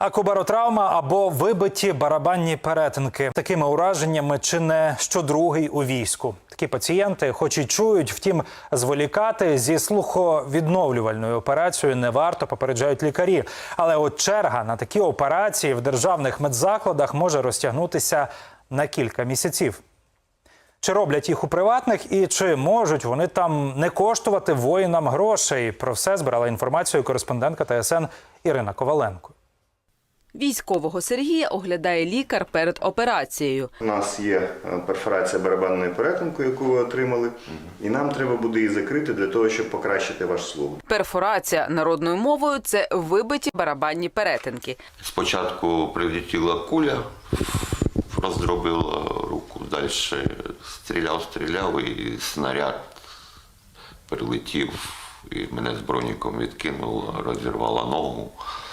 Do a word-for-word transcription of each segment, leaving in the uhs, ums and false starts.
Акубаротравма або вибиті барабанні перетинки. Такими ураженнями чи не щодругий у війську. Такі пацієнти хоч і чують, втім зволікати зі слуховідновлювальною операцією не варто, попереджають лікарі. Але от черга на такі операції в державних медзакладах може розтягнутися на кілька місяців. Чи роблять їх у приватних і чи можуть вони там не коштувати воїнам грошей? Про все збирала інформацію кореспондентка Т С Н Ірина Коваленко. Військового Сергія оглядає лікар перед операцією. У нас є перфорація барабанної перетинку, яку ви отримали, і нам треба буде її закрити для того, щоб покращити ваш слух. Перфорація народною мовою – це вибиті барабанні перетинки. Спочатку прилетіла куля, роздробила руку, далі стріляв, стріляв і снаряд прилетів, і мене з броніком відкинуло, розірвало ногу.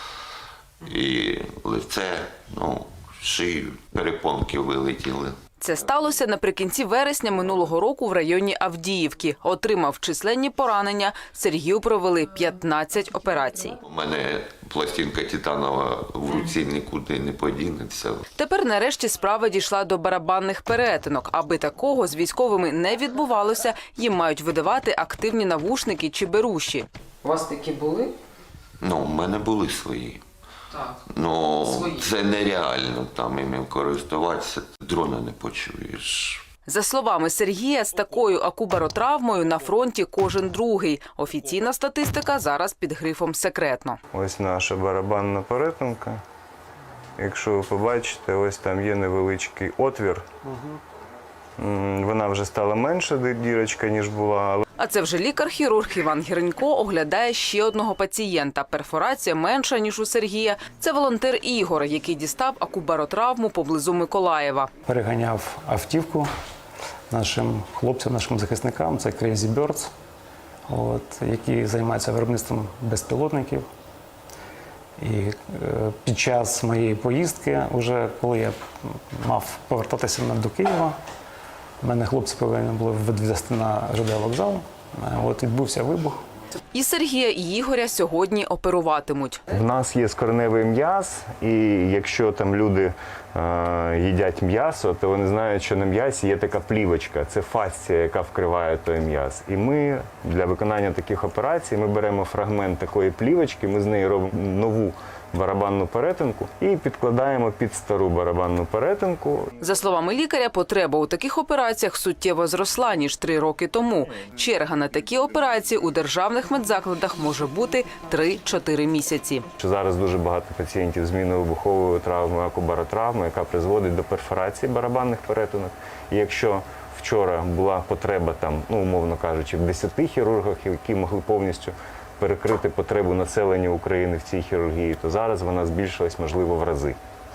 І лице, ну, шию, перепонки вилетіли. Це сталося наприкінці вересня минулого року в районі Авдіївки. Отримав численні поранення. Сергію провели п'ятнадцять операцій. У мене пластинка титанова в руці нікуди не подінеться. Тепер нарешті справа дійшла до барабанних перетинок. Аби такого з військовими не відбувалося, їм мають видавати активні навушники чи беруші. У вас такі були? Ну, у мене були свої. Так. Ну, Свої. це нереально там іми користуватися. Дрона не почуєш. За словами Сергія, з такою акубаротравмою на фронті кожен другий. Офіційна статистика зараз під грифом «секретно». Ось наша барабанна перетинка. Якщо ви побачите, ось там є невеличкий отвір. Угу. Вона вже стала менша, дірочка, ніж була. А це вже лікар-хірург Іван Гіренько оглядає ще одного пацієнта. Перфорація менша, ніж у Сергія. Це волонтер Ігор, який дістав акубаротравму поблизу Миколаєва. Переганяв автівку нашим хлопцям, нашим захисникам. Це Crazy Birds, от, які займаються виробництвом безпілотників. І е, під час моєї поїздки, вже коли я мав повертатися до Києва, мене хлопці повинні були відвезти на Ж Д вокзал. От відбувся вибух. І Сергія, і Ігоря сьогодні оперуватимуть. В нас є скроневий м'яз, і якщо там люди е, їдять м'ясо, то вони знають, що на м'ясі є така плівочка, це фасція, яка вкриває той м'яз. І ми для виконання таких операцій ми беремо фрагмент такої плівочки, ми з неї робимо нову барабанну перетинку і підкладаємо під стару барабанну перетинку. За словами лікаря, потреба у таких операціях суттєво зросла, ніж три роки тому. Черга на такі операції у державних медзакладах може бути три-чотири місяці. Зараз дуже багато пацієнтів з мінно-вибуховою травмою, акубаротравмою, яка призводить до перфорації барабанних перетинок. І якщо вчора була потреба, там, ну, умовно кажучи, в десяти хірургах, які могли повністю перекрити потребу населення України в цій хірургії, то зараз вона збільшилась, можливо, в рази.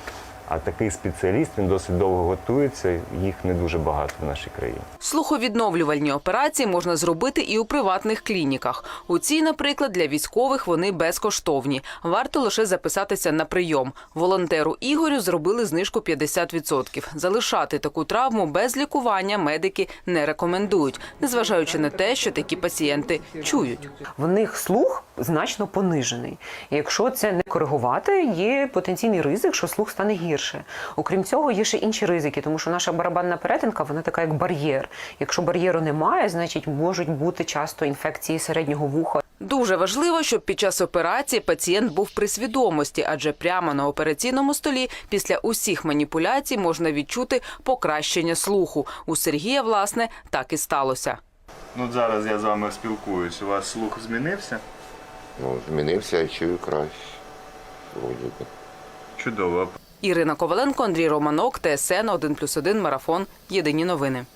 А такий спеціаліст, він досить довго готується, їх не дуже багато в нашій країні. Слуховідновлювальні операції можна зробити і у приватних клініках. У цій, наприклад, для військових вони безкоштовні. Варто лише записатися на прийом. Волонтеру Ігорю зробили знижку п'ятдесят відсотків. Залишати таку травму без лікування медики не рекомендують, незважаючи на те, що такі пацієнти чують. В них слух значно понижений. І якщо це не коригувати, є потенційний ризик, що слух стане гірше. Окрім цього, є ще інші ризики, тому що наша барабанна перетинка, вона така як бар'єр. Якщо бар'єру немає, значить можуть бути часто інфекції середнього вуха. Дуже важливо, щоб під час операції пацієнт був при свідомості, адже прямо на операційному столі після усіх маніпуляцій можна відчути покращення слуху. У Сергія, власне, так і сталося. Ну, зараз я з вами спілкуюсь. У вас слух змінився? Ну, змінився, я чую краще. Вроді би. Чудово. Ірина Коваленко, Андрій Романок, Т С Н один плюс один, Марафон. Єдині новини.